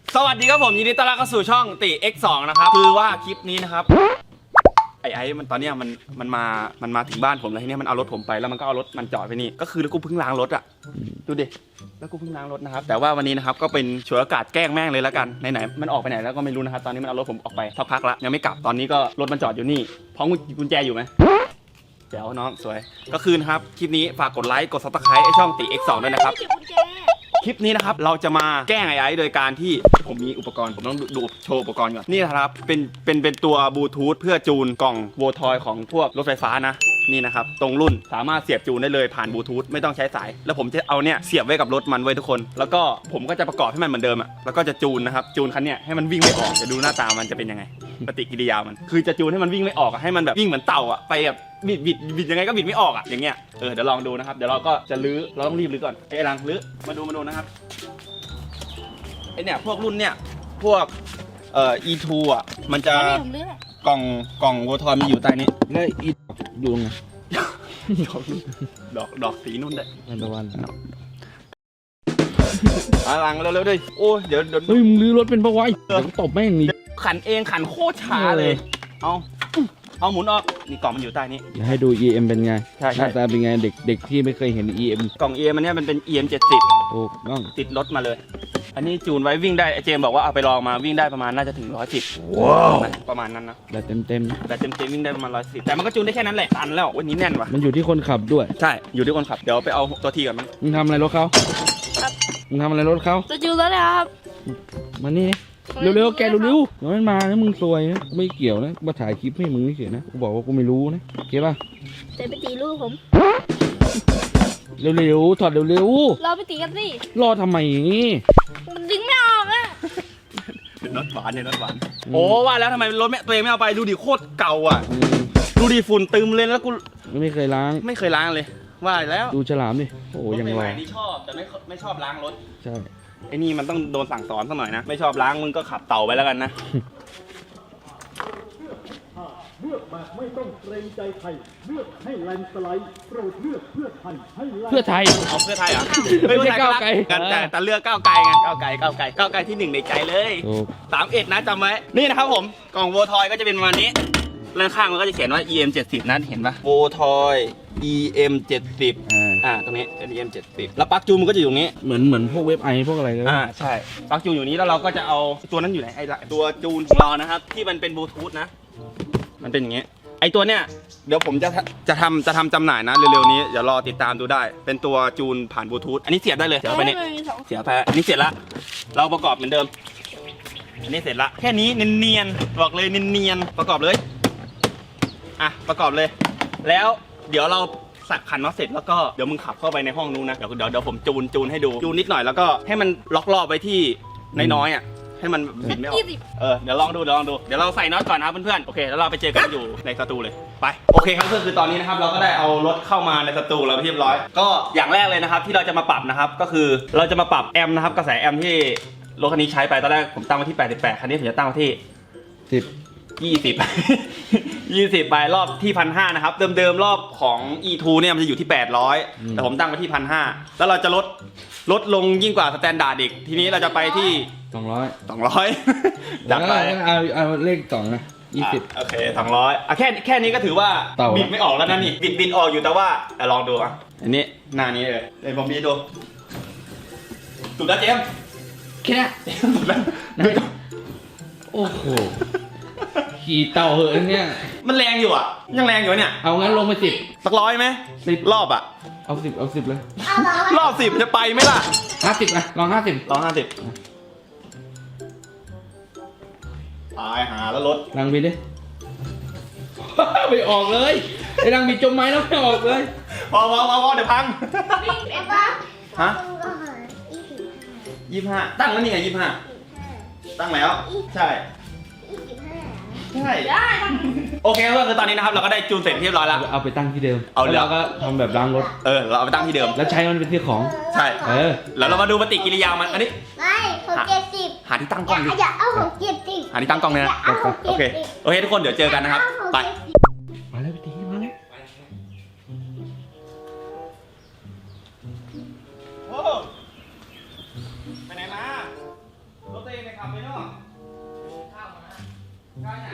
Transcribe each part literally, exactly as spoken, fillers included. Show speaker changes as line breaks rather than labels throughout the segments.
สวัสดีครับผมยินดีต้อนรับเข้าสู่ช่องติ เอ็กซ์ สอง นะครับคือว่าคลิปนี้นะครับไอ้ไอ้มันตอนนี้มันมันมามันมาถึงบ้านผมแล้วทีนี้มันเอารถผมไปแล้วมันก็เอารถมันจอดไปนี่ก็คือแล้วกูเพิ่งล้างรถอ่ะดูดิแล้วกูเพิ่งล้างรถนะครับแต่ว่าวันนี้นะครับก็เป็นฉวยโอกาสแกล้งแม่งเลยแล้วกันไหนๆมันออกไปไหนแล้วก็ไม่รู้นะครับตอนนี้มันเอารถผมออกไปสักพักแล้วยังไม่กลับตอนนี้ก็รถมันจอดอยู่นี่พร้อมกุญแจอยู่ไหมเดี๋ยวน้องสวยก็คือนะครับคลิปนี้ฝากกดไลค์กดซับสไครต์ไอ้ช่องติ เอ็กซ์ สอง ด้วยนะครับคลิปนี้นะครับเราจะมาแกล้งไอ้ไอ้โดยการที่ผมมีอุปกรณ์ผมต้องดูโชว์อุปกรณ์ก่อนนี่นะครับเป็นเป็นเป็นตัวบลูทูธเพื่อจูนกล่องโวทอยของพวกรถไฟฟ้านะนี่นะครับตรงรุ่นสามารถเสียบจูนได้เลยผ่านบลูทูธไม่ต้องใช้สายแล้วผมจะเอาเนี่ยเสียบไว้กับรถมันไว้ทุกคนแล้วก็ผมก็จะประกอบให้มันเหมือนเดิมอ่ะแล้วก็จะจูนนะครับจูนคันเนี้ยให้มันวิ่งไม่ออกจะดูหน้าตามันจะเป็นยังไงปฏิกิริยามันคือจะจูนให้มันวิ่งไม่ออกให้มันแบบวิ่งเหมือนเต่าอ่ะไปแบบบิดบิดบิดยังไงก็บิดไม่ออกอ่ะอย่างเงี้ยเออเดี๋ยวลองดูนะครับเดี๋ยวเราก็จะลื้อเราต้องรีบลื้อก่อนไอ้ลังลื้อมาดูมาดูนะครับไอเนี่ยพวกรุ่นเนี่ยพวกเอ่อ อี ทู อ่ะมันจะกล่องกล่องโวทอยมันอยู่ใต้นี้
แล้วอีอยู่ไง
ดอกดอกสีนุ่นได้
นันตะวัน
อาลังเร็วๆด้วยโอ้เดี๋ยวเดี๋ยว
เฮ้ยมึงลื้อรถเป็นปะวะเดี๋ยวตบแม่งนี่
ขันเองขันโคตรช้าเลยเอาเอาหมุนออกนี่กล่องมันอยู่ใต้นี้
อย่าให้ดู อี เอ็ม เป็นไง
ใช่
หน้าตาเป็นไงเด็กเด็กที่ไม่เคยเห็น อี เอ็ม
กล่อง อี เอ็ม อันนี้มันเป็น อี เอ็ม เจ็ดสิบ
ถูกต้อง
ติดรถมาเลยอันนี้จูนไว้วิ่งได้ไอเจมบอกว่าเอาไปลองมาวิ่งได้ประมาณน่าจะถึงร้อยสิบว้าวประมาณนั้นนะ
แบบเต็มเต็ม
แต่เต็มเต็มวิ่งได้ประมาณร้อยสิบแต่มันก็จูนได้แค่นั้นแหละตันแล้ววันนี้แน่นว่ะ
มันอยู่ที่คนขับด้วย
ใช่อยู่ที่คนขับเดี๋ยวไปเอาตัวทีก่อนมั้ง
มึงทำอะไรรถเขามึงทำอะไรรถเขา
จะจูนแล้วนะครับ
มานี่เร็วๆแกเร็วๆเดี๋ยวมันมานะมึงซวยนะไม่เกี่ยวนะมาถ่ายคลิปให้มึงเฉยนะกูบอกว่ากูไม่รู้นะโอเคป่ะ
จะไปตีลูกผม
เร็วๆถอดเร็ว
ๆเราไปตีกันสิ
รอทำไม
มันดึงไม่ออกอะ
เป็นรถหวานเนี่ยรถหวานโอ้ว่าแล้วทำไมรถแม่ตัวเองไม่เอาไปดูดิโคตรเก่าอ่ะดูดิฝุ่นตึมเลยแล้วกู
ไม่เคยล้าง
ไม่เคยล้างเลยว่าแล้ว
ดูฉลามดิโอ้ยังรอ
นี่ชอบแต่ไม่ไม่ชอบล้างรถ
ใช่
ไอ้นี่มันต้องโดนสั่งสอนสักหน่อยนะไม่ชอบล้างมึงก็ขับเต่าไปแล้วกันนะ
เลือกแบบไม่ต้องเกรงใจใครเลือกให้แลนสไลด์โปรดเลือกเพื่อไทยให้
เพื่อไทย
เอาเพื่อไทยอ่ะไม่ใช่ก้าวไกลกันแต่แต่เลือกก้าวไกลไงก้าวไกลก้าวไกลก้าวไกลที่หนึ่งในใจเลยสามเอ็ดนะจำไว้นี่นะครับผมกล่องโวทอยก็จะเป็นประมาณนี้ด้านข้างมันก็จะเขียนว่า อี เอ็ม เจ็ดสิบ นะเห็นปะโวทอย อี เอ็ม เจ็ดสิบ อ่าตรงนี้เป็น อี เอ็ม เจ็ดสิบ แล้วปลั๊กจูนมันก็จะอยู่ตรงนี้
เหมือนเหมือนพวกเว็บไอพวกอะไรเลย
อ่าใช่ปลั๊กจูนอยู่นี้แล้วเราก็จะเอาตัวนั้นอยู่ไหนไอ้ตัวจูนของเรานะครับที่มันเป็นบลูทูธนะมันเป็นอย่างงี้ไอตัวเนี้ยเดี๋ยวผมจะจะทำจะทำจำหน่ายนะเร็วๆนี้เดี๋ยวรอติดตามดูได้เป็นตัวจูนผ่านบลูทูธอันนี้เสียบได้เลยเสียบไปนี่เสียบไปอันนี้เสร็จละเราประกอบเหมือนเดิมอันนี้เสร็จละแค่นี้เนียนๆบอกเลยเนียนๆประกอบเลยอ่ะประกอบเลยแล้วเดี๋ยวเราสักขันน็อตเสร็จแล้วก็เดี๋ยวมึงขับเข้าไปในห้องนู้นนะเดี๋ยวเดี๋ยวเดี๋ยวผมจูนจูนให้ดูจูนนิดหน่อยแล้วก็ให้มันล็อกรอบไว้ที่น้อยๆอ่ะให้มันบิดไม่ออกเออเดี๋ยวลองดูเดี๋ยวลองดูเดี๋ยวเราใส่น็อตก่อนนะเพื่อนๆโอเคแล้วเราไปเจอกันอยู่ในสตูเลยไปโอเคครับก็คือตอนนี้นะครับเราก็ได้เอารถเข้ามาในสตูแล้วเรียบร้อยก็อย่างแรกเลยนะครับที่เราจะมาปรับนะครับก็คือเราจะมาปรับแอมป์นะครับกระแสแอมป์ที่รถคันนี้ใช้ไปตอนแรกผมตั้งไว้ที่แปดสิบแปดคันนี้ผมจะตั้งไว้ที่
สิบ
ยี่สิบ ยี่สิบไปรอบที่พันห้านะครับเดิมๆรอบของ อี ทู เนี่ยมันจะอยู่ที่แปดร้อยแต่ผมตั้งไว้ที่พันห้าแล้วเราจะลดลดลงยิ่งกว่าสแตนดาร์ดอีกทีนี้เราจะไปที่
สองร้อย
สองร้อยดักไป
เอาเอาเลขสองนะยี่สิบ
โอเคสองร้อยอ่ะแค่แค่นี้ก็ถือว่าบิดไม่ออกแล้วนะนี่บิดบิดออกอยู่แต่ว่าลองดูอ่ะอันนี้หน้านี้เลยเดี๋ยวผมบีดูสุดแล้วเจม
แค่
สุดแล้ว
โอ้โหขี่เต่าเหอะเนี่ย
มันแรงอยู่อ่ะยังแรงอยู่เนี่ย
เอางั้นลงไปสิบ
สักร้อยไหมสิบรอบอ่ะ
เอาสิบเอาสิบเลย
รอบสิบจะไปไหมล่ะ
ห้าสิบอ่ะลองห้าสิบ
ลองห้าสิบตายหาแล้วรถ
รังบินดิไม่ออกเลยไอ้รังบินจมไม้แล้วไม่ออกเลย
พอพอพอพอเดี๋ยวพังฮะยี่สิบห้าตั้งแล้วนี่ไงยี่สิบห้าตั้งแล้วใช่ใช่โอเคก็คือตอนนี้นะครับเราก็ได้จูนเสร็จเรียบร้อยแล้ว
เอาไปตั้งที่เดิม
เอา
แล้วก็ทำแบบล้างรถ
เออเราเอาไปตั้งที่เดิม
แล้วใช้มันเป็นที่ของ
ใช่เออแล้วเรามาดูปฏิกิริยามันอันนี้
ไม่ของเจ็ดสิบ
หาที่ตั้งกล้องดิ
อย่าเอาของเจ็ดสิบ
หาที่ตั้งกล้องเนี่ยนะโอเคโอเคทุกคนเดี๋ยวเจอกันนะครับไป
มาแล้วพี่ตีมาแล้ว
ไปไหนมารถตัวเองไปขับได้ไหน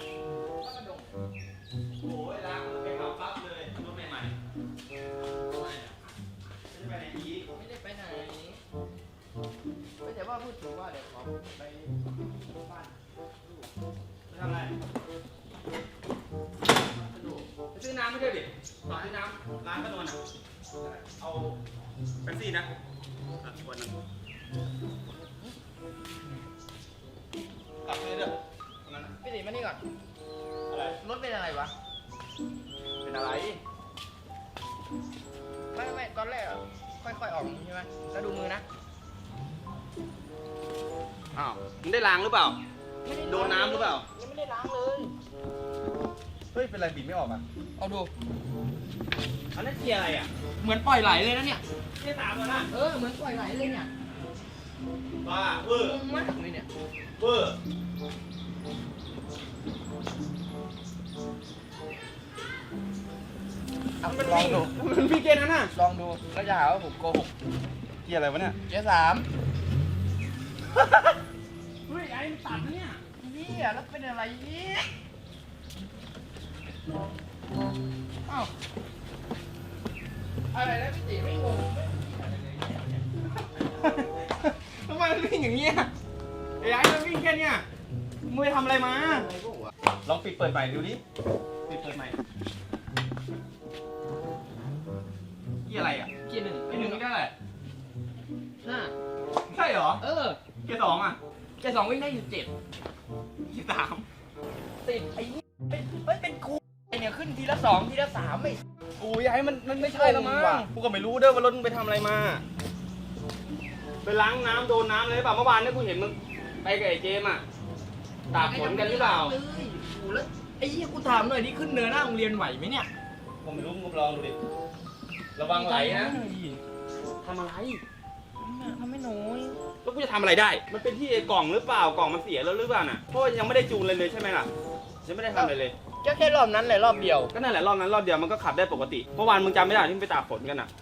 โอ้ยล้างมือไปขับปั๊บเลยรถใหม่ๆไม่ได้ไปไหนอีก
ไม่ได้ไปไหนไม่แต่ว่าพูดถึงว่าเดี๋ยวขอไปบ้าน
ไปทำอะไรไปซื้อน้ำไม่ได้ดิขอซื้อน้ำร้านขนมอ่ะเอาเป็นซี่นะอ่ะวันหนึงกลับไปเด้อตรงนั้นน่ะ
พี่ตีมานี่ก่อน
อะไร
รถเป็นอะไรวะ
เป็นอะไร
ไม่ไม่ตอนแรกอะค่อยๆออกใช่ไหมแล้วดูมือนะ
อ้าวมึงได้ล้างหรือเปล่า โดนน้ำหรือเปล่า
ยังไม่ได้ล้างเลย
เฮ้ย เป็นไรบีบไม่ออกอ่ะ
เอาดู
อันนั้นเกียร์อะไรอ่ะ
เหมือนปล่อยไหลเลยนะเนี่ย
เกียร์สามแล้วนะ
เออเหมือนปล่อยไหลเลยเนี่ย
บ้าเวอร์
งงมากเลยเนี่ย
เวอร์มัน
ลองดู
มันพี่เกียร์นั้นน่ะ
ลองดูแล้วจะหาว่าผมโกหก
เกียร์อะไรวะเนี่ย
เจ๊สาม
เฮ้ยไอ้มันตัดนะเนี่ย
นี่อะแล้วเป็นอะไรอีกอ้าวอะไรนะพี่ตีไม่งงไม่อะไรเลยเนี่ย
ทำไมมันวิ่งอย่างเงี้ยไอ้ไอ้มันวิ่งแค่เนี้ยมึงไปทำอะไรมา
อะไรพวกวะ
ลองปิดเปิดใหม่ดูดิ ปิดเปิดใหม่เกียร์อะไรอ่ะ
เกียร์หนึ่ง
ไอ้หนึ่งไม่ได้แหละ
ห้า
ใช่เหรอ
เออ
เกียร์สองอ่ะ
เกียร์สองวิ่งได้อยู่เจ็ด
เกียร์สาม
ติดไอ้นี่เป็นเฮ้ยเป็นกูไอเนี่ยขึ้นทีละสองทีละสามไม่
กูอยากให้มันมันไม่ใช่แล้วมั้ง
งงว่ะ
กูก็ไม่รู้เด้อว่ารถมึงไปทำอะไรมา ไปล้างน้ำโดนน้ำเลยหรือเปล่าเมื่อวานเนี่ยกูเห็นมึงไปกับไอ้เจมส์อ่ะตากฝนกันหรือเปล่า
เลยโอ้แล้วไอ้ยี่กูถามหน่อยนี่ขึ้นเนินหน้าโรงเรียนไหวไหมเนี่ย
ผมไม่รู้มึงลองดูดิ ระวังไหลนะทำอะไร
ทำไม่น้อย
แล้วกูจะทำอะไรได้ มันเป็นที่ไอ้กล่องหรือเปล่ากล่องมันเสียแล้วหรือเปล่าน่ะ เพราะว่ายังไม่ได้จูนเลยเลยใช่ไหมล่ะยังไม่ได้ทำอะไรเลย
ก็แค่รอบนั้นเลยรอบเดียว
ก็นั่นแหละรอบนั้นรอบเดียวมันก็ขับได้ปกติ เมื่อวานมึงจำไม่ได้ที่มึงไปตากฝนกันอ่ะ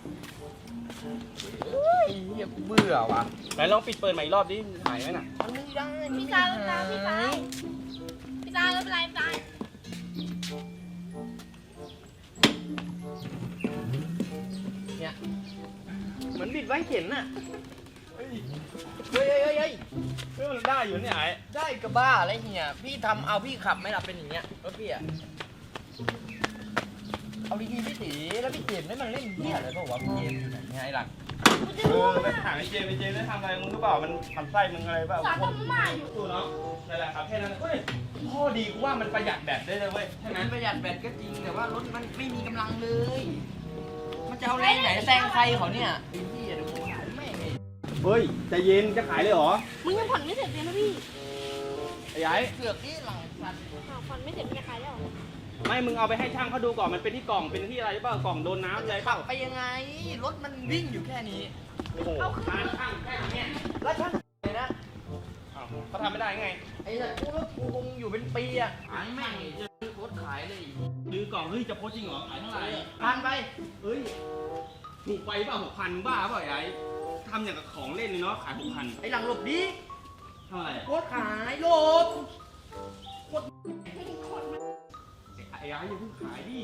เฮ้ยเหี้ยกูเบื่อว่ะ
ไหนลองปิดเปิดใหม่อีกรอบดิหายไหมน่ะ
มันไม่ได้
พี่ซาพี่ซาพี่ซาพี่ซาไม่เป็นไรพี่ซา
เนี่ยเหมือนบิดไว้เข็นน่ะเฮ้ยเฮ้ยเฮ้ยเฮ้ย
เฮ้ยมันได้อยู่เนี่ยไอ้
ได้กระบ้าอะไรเฮียพี่ทำเอาพี่ขับไม่หลับเป็นอย่างเงี้ยรถพี่อะเอาดีๆพี่ตีแล้วพี่เจมส์ได้มันเล่นเหี้ยอะไรเปล่าวะพี่เจมส์ไงหลัก
เออไปถามไอ้เจมส์ไอ้เจมส์ได้ทำอะไรมึงหรือเปล่า มันทำไส้มึงอะไรเปล่า
สอนทำไม
ตู้เนาะนั่นแหละครับแค่นั้นเฮ้ยข้อดีกูว่ามันประหยัดแบตได้เลยเว้ยใช่ไหม
มันประหยัดแบตก็จริงแต่ว่ารถมันไม่มีกำลังเลย มันจะเอาแรงไหนแซงใครเขาเนี่ยไอ้พี่เดี๋ยวกูหายแม่งไง
เฮ้ยใจเย็นจะขายเลยเหรอ
มึงยังผ่อนไม่เสร็จเลยนะพี่
ไอ้ไอ้
เสือกนี่หลังสัตว์
อ้าวผ่อนไม่เสร็จมึงจะขายแล้วเหรอ
ไม่มึงเอาไปให้ช่างเขาดูก่อนมันเป็นที่กล่องเป็นที่อะไรหรือเปล่ากล่องโดนน้ำอะไรเป
ขั
ล่า
บไปยังไง รถมันวิ่งอยู่แค่นี้
โอ้โหร้านช่างแค่นี้
แล้วช่างเลยนะ
อ้าวเขาทำไม่ได้ไง
ไอ้สัตว์กูรถกูคงอยู่เป็นปีอะหายแม่งจะซื้อรถขายเลย
ดื้อกล่องเฮ้ยจะโพสจริงเหรอขายเท่าไหร่
พันไป
เฮ้ยถูกไปเปล่าหกพันบ้าเปล่าไอ้ทำอย่างกับของเล่นเลยเนาะขายหกพัน
ไอ้หลังหลบดิ
เท่าไหร่
รถขายหลบ
ไอ้ไอ้อย่าเพิ่งขายดิ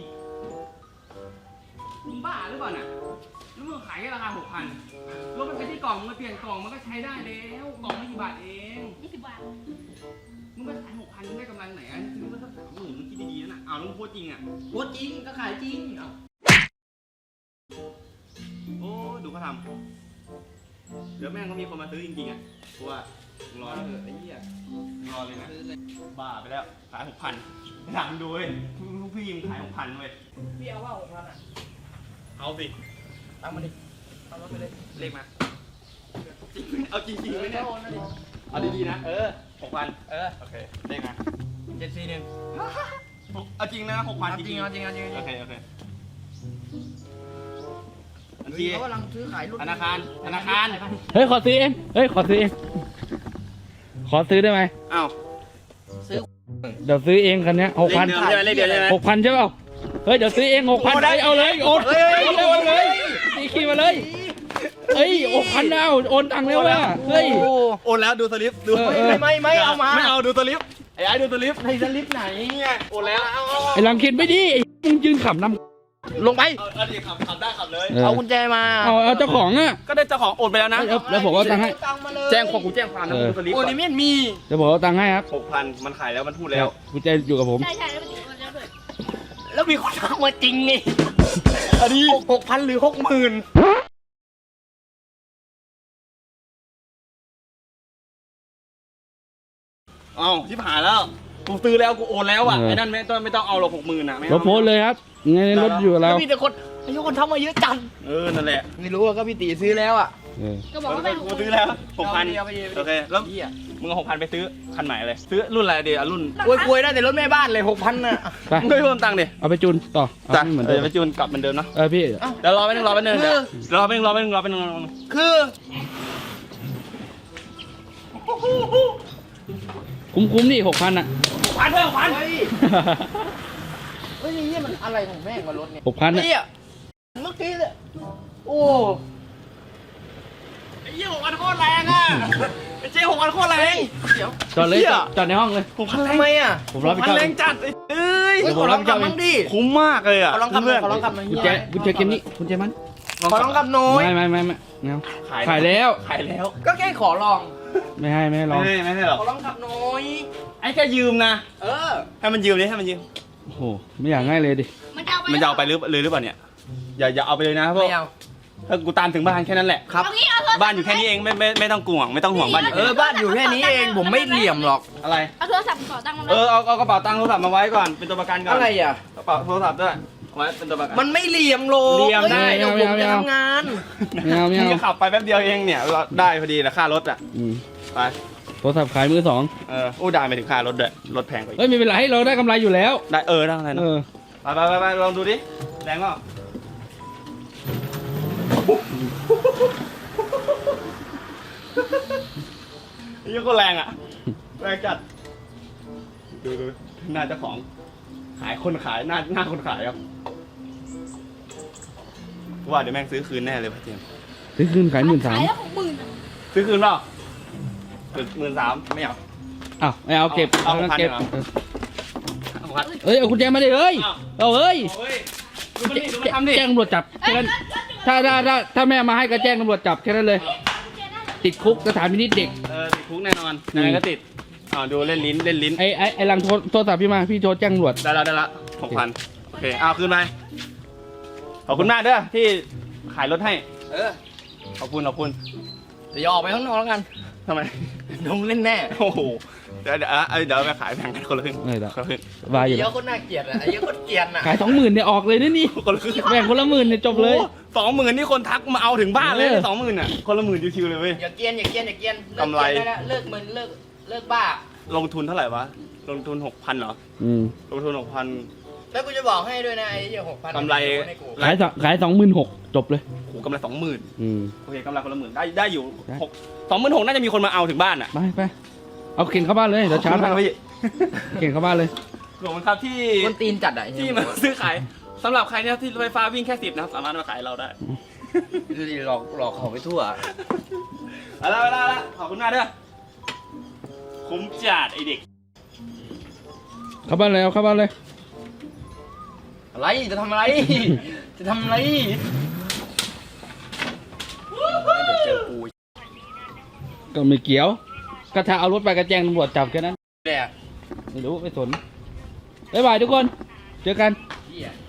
มึงบ้าหรือเปล่าน่ะแล้วมึงขายแค่ราคาหกพันรถมันเป็นที่กล่องมึงมาเปลี่ยนกล่องมันก็ใช้ได้แล้วกล่องไม่กี่บาทเอง
ยี่สิบบาท
มึงไปขายหกพันมึงได้กำไรไหนอ่ะมึงก็สักสามหมื่นมึงคิดดีๆนะอ้าวแล้วมึงโพสจริงอ่ะ
รถจริงก็ขายจริงเอ้า
โอ้ดูเขาทำเดี๋ยวแม่งก็มีคนมาซื้อจริงๆอ่ะกูว่ามึงรอ
เอ
เลย
อไอ้เหี้ย
มึงรอเลยนะ
ซื้อเลย
บ้าไปแล้วขายหกพันถามดูเว้ยลูกพี่มึงขายหกพันเว้ย
พี่เอาว่าหกพันอะ
เอาสิ
เอามาดิเอารถไปเลย
เลขมาเอาจริงๆไหมเนี่ย
โอนนะดิ
เอาดีๆนะเออหกพัน
เออ
โอเคเลขมา
เจ็ดสี่หนึ่ง
เอาจริงนะหกพัน
เอาจริงเอาจริงเอาจริง
โอเคโอเคบัญ
เฮ้
ชี
ยเขากำลังซื้อขายรถ
ธนาคารธนาคาร
เฮ้ยขอซื้อเองเฮ้ยขอซื้อเองขอซื้อได้ไหม
อ้าว
ซื้อ
เดี๋ยวซื้อเองคันเนี้ยหกพัน
เลขเดิมใช่ไหมเลขเดียวใช่ไหม
หกพันใช่เปล่าเฮ้ยเดี๋ยวซื้อเองหกพันเอาเลยโอนโอนเลยนี่ขี่มาเลยเฮ้ยหกพันเอาโอนตังค์แล้วว่ะเฮ้ย
โอ้
โอนแล้วดูสลิปดู
เออ
ไม่ไม่ไม่เอามา
ไม่เอาดูสลิปไอ้ไอ้ดูสลิปในสลิปไหนเนี่ยโอนแล้วเอาเอา
ไอ้ลังเข็นไม่ดีไอ้มึงยืนขับนำลงไป
เอาเอาดิขับขับได้ขับเลย
เออ
เอากุญแจมา
เอาเอาเจ้าของอ่ะ
ก็ได้เจ้าของโอนไปแล้วนะ
แล้วแล้วผมเอาตังค์ให้
ตังค์มาเลย
แจ้งความกูแจ้งความนะ
เออ
ดูสลิป
โอ้ยนี่ไม่มี
เดี๋ยวผมเอาตังค์ให้ครับ
หกพันมันขายแล้วมันพูดแล้ว
กุญแจอยู่กับผม
ใช่ใช่แล้วมันติดมันแล้วด้วย
แล้วมีคนทักมาจริงไง
อันนี้
หกพันหรือหกหมื่น
เอ้าชิบหายแล้วกูซื้อแล้วกูโอนแล้วอ่ะไอ้นั่นไม่ต้องไม่ต้องเอาหรอกหกหมื่นอ่ะไม่
ร
เอา
ถโพสต์เลยครับไงในรถอยู่กับ
แล้
เรา
วมีแต่คนอายุคนทักมาเยอะจัง
เออนั่นแหละ
ไม่รู้อะก็พี่ตีซื้อแล้วอ่ะ
เออ
ก็บอกว่าไม่
กูซื้อแล้วหกพัน
เอาไปดิเอาไปดิ
โอเคแล้ว
เหี้ย
มึงเอาหกพันไปซื้อคันใหม่เลยซื้อรุ่นอะไรดีอ่ะรุ่น
โอ้ยกลวยได้แต่รถแม่บ้านเลยหกพันน่ะ
ไป
มึงไม่เพิ่มตังค์ดิ
เอาไปจูนต่อเอา
จ้ะ
ให้เหมือน
เอ
เดิ
อ
ม
ไปจูนกลับเหมือนเดิมเนาะ
เออพี่
เดี๋ยวรอไปหนึ่งรอไปหนึ่ง
คือ
เดี๋ยวรอไปหนึ่งรอไปหนึ่งรอไปหนึ่งรอไปหนึ่ง
คือ
คุ้มคุ้มๆนี่หกพันอ่ะ
พันเพิ่มพัน
เฮ้ยเฮ้ยนี่มันอะไรของแม่งวะรถเนี่ย
หกพันอ่ะ
เฮียเมื่อกี้เลยโอ้
ไอ้เหี้ยหกพันโคตรแรงอ่ะไอ้เจ๊หกพันโคตรแรง
เดี๋ยว
จอดเลย
เหี้ย
จอดจอดในห้องเลย
หกพันแรง
ทำไมอ่ะ
ผม
ห
รับ
ก
ผิด
พัน
ชอบ
แร
เอง
งจัดไอ้เอ้ย
เฮ้ยขอลองขับมั่งดิ
คุ้มมากเลยอ่ะ
ขอลองขับหน่อย
เพื่น
ขอลองขับหน่อย
กุญแจกุญแจเกมนี้กุญแจมัน
ขอลองขับหน่อย
ไม่ไม่ไม่ไม่เงา
ขาย
ขายแล้ว
ขายแล้ว
ก็แค่ขอลอง
ไม่ให้ไม่ให้ลอง
ไม่ให้ไม่ให้หรอก
ขอลองขับหน่อย
ไอ้แค่ยืมนะ
เออ
ให้มันยืมดิให้มันยืม
โอ้โหไม่อยากง่ายเลยดิ
มันจะเอาไป
มันจะเอาไปหรือเลยหรือเปล่าเนี่ยอย่าอย่าเอาไปเลยนะเพราะ
ไม่เอา
ถ้ากูตามถึงบ้านแค่นั้นแหละ
ครับ
เอางี้เอาโทรศัพท์
บ้านอยู่แค่นี้เองไม่ไม่ไม่ต้องกลัวไม่ต้องห่วงบ้านอยู่
เอ
แค่
อ
นี้
บ้านอยู่แค่นี้เองผมไม่เหลี่ยมหรอก
อะไร
เอาโทรศัพท์ขอตังค์มัน
เออเอาเอากระเป๋าตังค์โทรศัพท์มาไว้ก่อนเป็นตัวประกันก่อน
อะไรอ่ะ
กระเป๋าโทรศัพท์ด้วยเอาไว้เป็นตัวประกัน
มันไม่เหลี่ยมโล
เหลี่ยมได้
เดี๋ยวผมจะทำงาน
ไม่เอาไม่เอา
งจะขับไปแป๊บเดียวเองเนี่ยเราได้พอดีนะค่ารถอ่ะ
อืม
ไป
โทรศัพท์ขายมือสอง
เอออู้ได้ไปถึงค่ารถด้วยรถแพงกว่าอีก
เอ้ยไม่เป็นไรเราได้กำไรอยู่แล้ว
ได้เออได้อะไร
เอ
นะ
อ
ไปไปไปไปลองดูดิแรงเปล่ายี่ก็แรงอ่ะแรงจัดดูดูหน้าเจ้าของ ขายคนขายหน้าหน้าคนขายครับว่าเดี๋ยวแม่งซื้อคืนแน่เลยพ่อเจมส์
ซื้อคืนขายหมื่นสาม
ขายแล้วหกหมื่นอะ
ซื้อคืนเปล่าหมื่นสามไม่เอา
อ้าวไม่เอาเก็บ
เอาเอา
เก็บ
พันเดียว เอาพัด
เอ้ยเอากุญแจมาดิเอ้ย
อ้าว
เอาเอ้ย
โอ้ยดูมันดิดูมันทำดิ
แจ้งตำรวจจับแค่นั้นถ้าถ้าถ้าถ้าแม่มาให้ก็แจ้งตำรวจจับแค่นั้นเลย ติดคุกสถานพินิจเด็ก
เออติดคุกแน่นอนยังไงก็ติดอ่าดูเล่นลิ้นเล่นลิ้น
ไอ้ไอ้ไอ้หลังโทรโทรศัพท์พี่มาพี่โทรแจ้งตำรวจ
ได้แล้วได้แล้วหกพันโอเคเอาคืนไปขอบคุณมากเด้อที่ขายรถให้
เออ
ขอบคุณขอบคุณ
เดี๋ยวออกไปข้างนอกแล้วกัน
ทำไม
ลงเล่นแน่
โอ้โหเดี๋ยวเดี๋ยวอ่ะเดี๋ยวไปขายแบ่งกันคนละครึ่ง
เออเดี๋ยว
คนละครึ่ง
วายอยู่
เย
แล้ว
อะคนน่าเกลียดอ่ะไอ้เยอะคนเกลียดอ่ะ
ขายสองหมื่นเนี่ยออกเลยนะนี่
คนละครึ่ง
แบ่งคนละหมื่นเนี่ยจบเลย
สองหมื่นนี่คนทักมาเอาถึงบ้านเลย
เออ
สองหมื่นอ่ะคนละหมื่นชิวๆเลยเว้ย
อย่าเกลียนอย่าเกลียนอย่าเกลียนเลิ
กำไร
เกลียนได้แล้วเลิกมึนเลิกเลิกบ้า
ลงทุนเท่าไหร่วะลงทุนหกพันเหรอ
อืม
ลงทุนหกพัน
แล้วกูจะบอกให้ด้วยนะไอ้เหี้ยหกพัน
กำไร
ให้กู
ขายสองขายสองหมื่นหกจบเลย
โอ้โหกำไรสองหมื่น
อืม
โอเคกำไรคนละหมื่นได้ได้อยู่
ได้
หกสองหมื่นหกน่าจะมีคนมาเอาถึงบ้านอ่ะ
ไปไปเอาเข็นเข้าบ้านเลยเดี๋ยวชาร์จ
ขอบคุณมาก
ให้
พี่
เข็นเข้าบ้านเลย
ขอบคุณครับที่
คนตีนจัดอ่ะไอ้
ที่
เหี้ย
มาซื้อขายสำหรับใครเนี่ยที่รถไฟฟ้าวิ่งแค่สิบนะครับสามารถมาขายเราได้
ดูดิหลอกหลอกเขาไปทั่ว
เอาละเอาละเอาละขอบคุณมากเด้อคุ้มจัดไอเด็ก
เข้าบ้านเลยเอาเข้าบ้านเลย
อะไรจะทำอะไร จะทำอะไรเดี๋ยวเจอกู
ก็ไม่เกี่ยวก็ถ้าเอารถไปก็แจ้งตำรวจจับแค่นั้น
แหละ
ไม่รู้ไม่สนบ๊ายบายทุกคน เจอกัน
เหี้ย